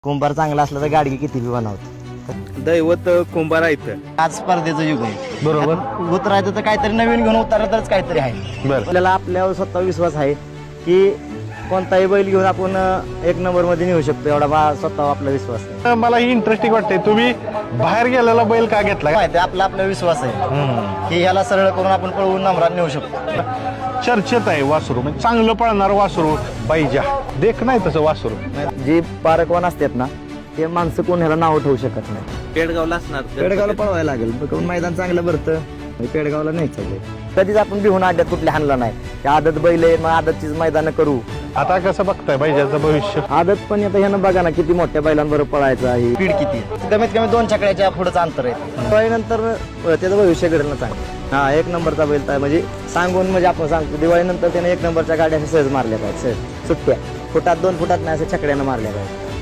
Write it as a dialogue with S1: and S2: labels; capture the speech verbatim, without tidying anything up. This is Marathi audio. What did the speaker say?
S1: कुंभार चांगला असला तर गाडगी किती बी बनवतो.
S2: दैवत कुंभार आहे.
S1: आज स्पर्धेचं युग आहे.
S2: बरोबर.
S1: उतरायचं तर काहीतरी नवीन घेऊन उतरलं तरच काहीतरी आहे.
S2: बरं.
S1: आपल्याला आपल्यावर स्वतः विश्वास आहे की कोणताही बैल घेऊन आपण एक नंबर मध्ये नेऊ शकतो, एवढा बा स्वतः आपला विश्वास आहे.
S3: मला ही इंटरेस्टिंग वाटते, तुम्ही बाहेर गेलेला बैल का घेतला?
S1: माहिती आहे, आपला आपला विश्वास आहे की ह्याला सरळ करून आपण पळवून नंबरात नेऊ शकतो.
S3: चर्चेत आहे वासरू, म्हणजे चांगलं पळणार वासरू पाहिजे. देख नाही तसं वासरू.
S1: जे पारकवान असतात ना ते माणसं कोण ह्याला नाव ठेवू शकत नाही.
S2: पेडगावला असणार.
S1: पेडगावला पळवायला लागेल, कारण मैदान चांगलं भरतं. पेडगावला नाही चाललंय. कधीच आपण बिहून आड्यात कुठले हाणला नाही. त्या आदत बैल आहे, मग आदतचीच मैदान करू.
S3: आता कसं बघताय बैजाचं भविष्य?
S1: आदत पण आता ह्यानं बघा ना किती मोठ्या बैलांबरोबर पळायचं आहे. स्पीड किती आहे. कमीत कमी दोन चकड्याच्या पुढेच अंतर आहे. दिवाळीनंतर त्याचं भविष्य घडलं चांगलं. हा एक नंबरचा बैल तर म्हणजे सांगून म्हणजे आपण सांगतो दिवाळीनंतर त्याने एक नंबरच्या गाड्या सहज मारल्या पाहिजे. सहज सुट्ट्या फुटात दोन फुटात नाही असं छकड्यानं मारल्या पाहिजे.